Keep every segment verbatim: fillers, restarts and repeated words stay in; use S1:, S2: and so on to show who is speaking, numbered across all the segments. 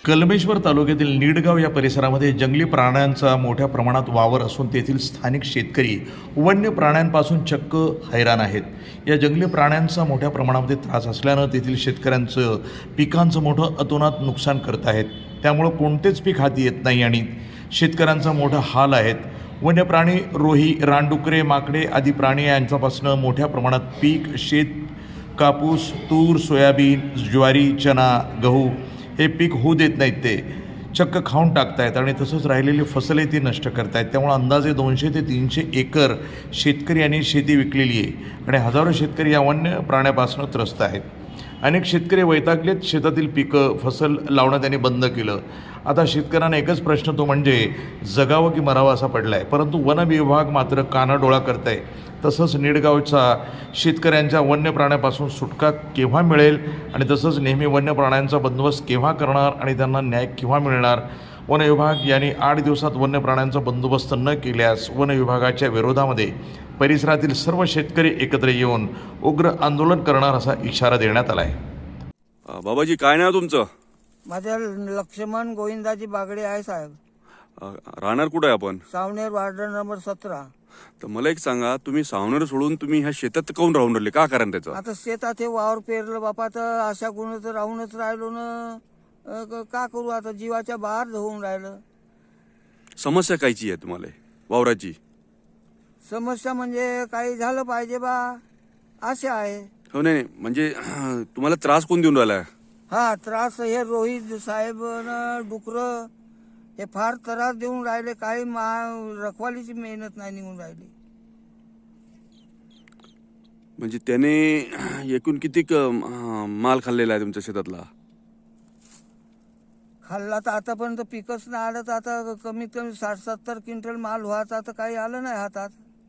S1: कलमेश्वर तालुक्यातील निडगाव या परिसरामध्ये जंगली प्राण्यांचा मोठ्या प्रमाणात वावर असून तेथील स्थानिक शेतकरी वन्य प्राण्यांपासून चक्क हैराण आहेत. या जंगली प्राण्यांचा मोठ्या प्रमाणामध्ये त्रास असल्यानं तेथील शेतकऱ्यांचं पिकांचं मोठं अतोनात नुकसान करत आहेत. त्यामुळं कोणतेच पीक हाती येत नाही आणि शेतकऱ्यांचा मोठा हाल आहेत. वन्य प्राणी, रोही, रानडुकरे, माकडे आदी प्राणी यांच्यापासून मोठ्या प्रमाणात पीक, शेत, कापूस, तूर, सोयाबीन, ज्वारी, चना, गहू हे पीक होऊ देत नाहीत. ते चक्क खाऊन टाकतायत आणि तसंच राहिलेली फसले ती नष्ट करतायत. त्यामुळे अंदाजे दोनशे ते तीनशे एकर शेतकरी यांनी शेती विकलेली आहे आणि हजारो शेतकरी या वन्य प्राण्यापासून त्रस्त आहेत. अनेक शेतकरी वैतागलेत. शेतातील पिकं, फसल लावणं त्यांनी बंद केलं. आता शेतकऱ्यांना एकच प्रश्न, तो म्हणजे जगावं की मरावं असा पडला आहे. परंतु वन विभाग मात्र कानाडोळा करत आहे. तसंच निडगावचा शेतकऱ्यांच्या वन्य प्राण्यापासून सुटका केव्हा मिळेल आणि तसंच नेहमी वन्य प्राण्यांचा बंदोबस्त केव्हा करणार आणि त्यांना न्याय केव्हा मिळणार. वन विभाग यांनी आठ दिवसात वन्य प्राण्यांचा बंदोबस्त न केल्यास वन विभागाच्या विरोधामध्ये परिसरातील सर्व शेतकरी एकत्र येऊन उग्र आंदोलन करणार असा इशारा देण्यात आला आहे.
S2: बाबाजी, काय नाव तुमचं?
S3: माझं लक्ष्मण गोविंदाजी बागडे आहे साहेब.
S2: अ, राहणार कुठं आहे आपण?
S3: सावनेर वार्ड नंबर सतरा.
S2: तर मला एक सांगा, तुम्ही सावनेर सोडून तुम्ही ह्या शेतात काऊन राहून राहिले? का कारण त्याचं?
S3: आता शेतात हे वावर पेरलं बापा, तर अशा गुण तर राहूनच राहिलो ना. अ, क- का करू आता, जीवाच्या बाहेर होऊन राहिलं.
S2: समस्या कायची आहे तुम्हाला वावराची?
S3: समस्या म्हणजे काही झालं पाहिजे बा, असे आहे.
S2: हो, नाही नाही, म्हणजे तुम्हाला त्रास कोण देऊन राहिला?
S3: हा त्रास हे रोहित साहेब न डुकर हे फार त्रास देऊन राहिले. काही मा रखवालीची मेहनत नाही निघून राहिली.
S2: म्हणजे त्याने एकूण किती क- माल खाल्लेला आहे तुमच्या शेतातला?
S3: खाल्ला तर आतापर्यंत पिकच नाही आलं. तर आता कमीत कमी साठ सत्तर क्विंटल माल व्हायचा, तर काही आलं नाही हातात.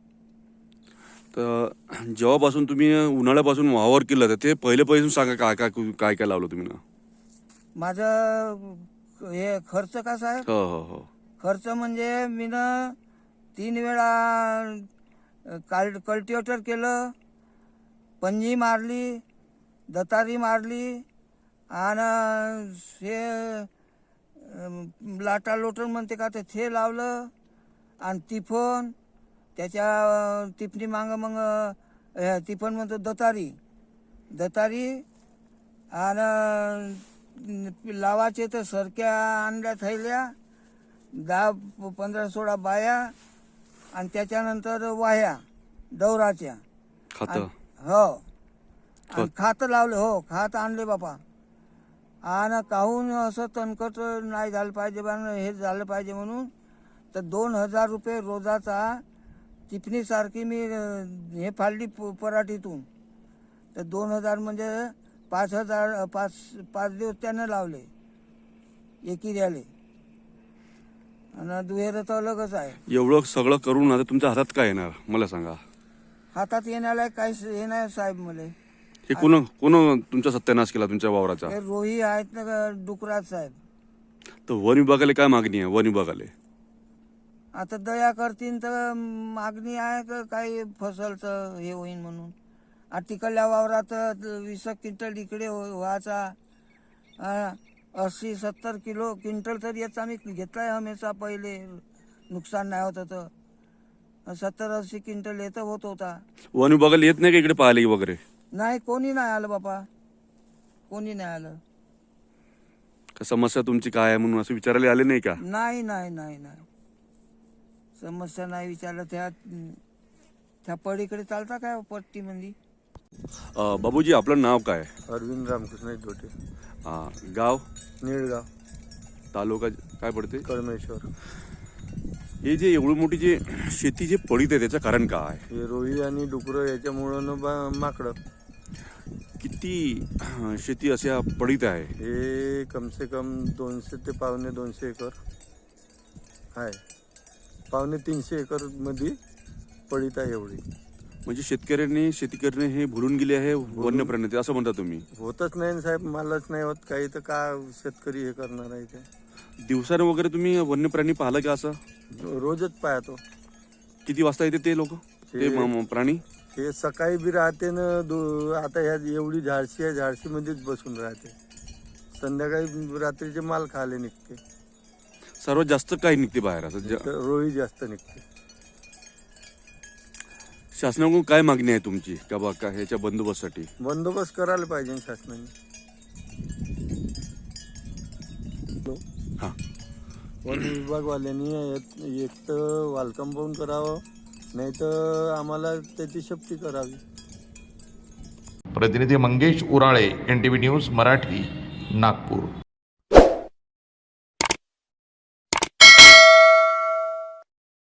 S2: तर जेव्हापासून तुम्ही उन्हाळ्यापासून वावर केलं तर ते पहिले पासून सांगा, काय काय काय काय लावलं तुम्ही ना?
S3: माझं हे खर्च कसा आहे?
S2: हो हो हो
S3: खर्च म्हणजे मी न तीन वेळा काल कल्टिवेटर केलं, पंजी मारली, दतारी मारली आणि हे अं, लाटा लोटन म्हणते का ते थे लावलं आणि तिफन त्याच्या तिफणी माग मग अं, तिफन म्हणतो दतारी दतारी आणि लावाचे तर सरक्या आणल्या थैल्या, दहा पंधरा सोळा बाया आणि त्याच्यानंतर वाह्या डवराच्या.
S2: खात.
S3: हो आणि खात लावले. हो खात आणले बापा. आणि काहून असं तणकट नाही झालं पाहिजे बा, हे झालं पाहिजे म्हणून तर दोन हजार रुपये रोजाचा टिपणीसारखी मी अं, हे फाडली प- पराठीतून. तर दोन हजार म्हणजे पाच हजार पाच पाच दिवस त्यानं लावले एकी द्याले. आणि दुहेर तर अलगच आहे.
S2: एवढं सगळं करून आता तुमच्या हातात काय येणार मला सांगा?
S3: हातात येण्याला काहीच हे नाही साहेब. मले
S2: हे कोण कोण तुमचा सत्यानाश केला तुमच्या वावराचा?
S3: हे रोही आहेत ना डुकराज साहेब.
S2: तर वन विभागाला काय मागणी आहे? वन विभागाला
S3: आता दया करतीन तर मागणी आहे का काही फसलचं हे होईन म्हणून. आ तिकडल्या वावरात वीस क्विंटल इकडे हो- व्हायचा. आ, अस्सी सत्तर किलो क्विंटल तर याचा आम्ही घेतलाय हमेशा. पहिले नुकसान नाही होत होतं. सत्तर अस्सी क्विंटल येतं होत होता.
S2: वन विभागाला येत नाही का इकडे पाहिले वगैरे?
S3: नाही, कोणी नाही आलं बापा, कोणी नाही आलं.
S2: का समस्या तुमची काय आहे म्हणून असं विचारायला आले नाही का?
S3: नाही नाही नाही नाही समस्या नाही विचारलं. त्या त्या पडीकडे चालता काय पट्टीमध्ये?
S2: अ, बाबूजी, आपलं नाव काय?
S4: अरविंद रामकृष्ण धोटे,
S2: हा, गाव,
S4: निळगाव,
S2: तालुका काय पडते?
S4: कळमेश्वर.
S2: हे जे एवढी मोठी जे शेती जे पडीत आहे त्याचं कारण काय?
S4: हे रोही आणि डुकरं याच्यामुळं न बा- माकडं.
S2: किती अ, शेती अशा पडीत आहे?
S4: हे कमसे कम दोनशे ते पावणे दोनशे एकर आहे. पावणे तीनशे एकर मध्ये पडीत आहे एवढी.
S2: म्हणजे शेतकऱ्यांनी शेती करणे हे भुलून गेले आहे वन्य प्राणी, असं म्हणता तुम्ही?
S4: होतच नाही ना साहेब, मालच नाही होत काही, तर का शेतकरी हे करणार आहे ते.
S2: दिवसानं वगैरे तुम्ही वन्य प्राणी पाहिलं का? असं
S4: रोजच पाहतो.
S2: किती वाजता येते ते लोक, ते म- म- प्राणी?
S4: हे सकाळी बी राहते ना. दो आता ह्या एवढी झाडशी आहे, झाडशी मध्येच बसून राहते. संध्याकाळी रात्रीचे माल खायला निघते.
S2: सर्वात जास्त काय निघते बाहेर असं ज-
S4: तर रोळी जास्त निघते.
S2: शासनाकडून काय मागणी आहे तुमची का बा का ह्याच्या बंदोबस्तासाठी?
S4: बंदोबस्त करायला पाहिजे शासनाने.
S2: हा
S4: वन विभागवाल्यांनी एक- एक तर वाल कंपाऊंड करावं, नाही तर आम्हाला त्याची शक्ती करावी.
S1: प्रतिनिधी Mangesh Urale, N T V news Marathi, Nagpur.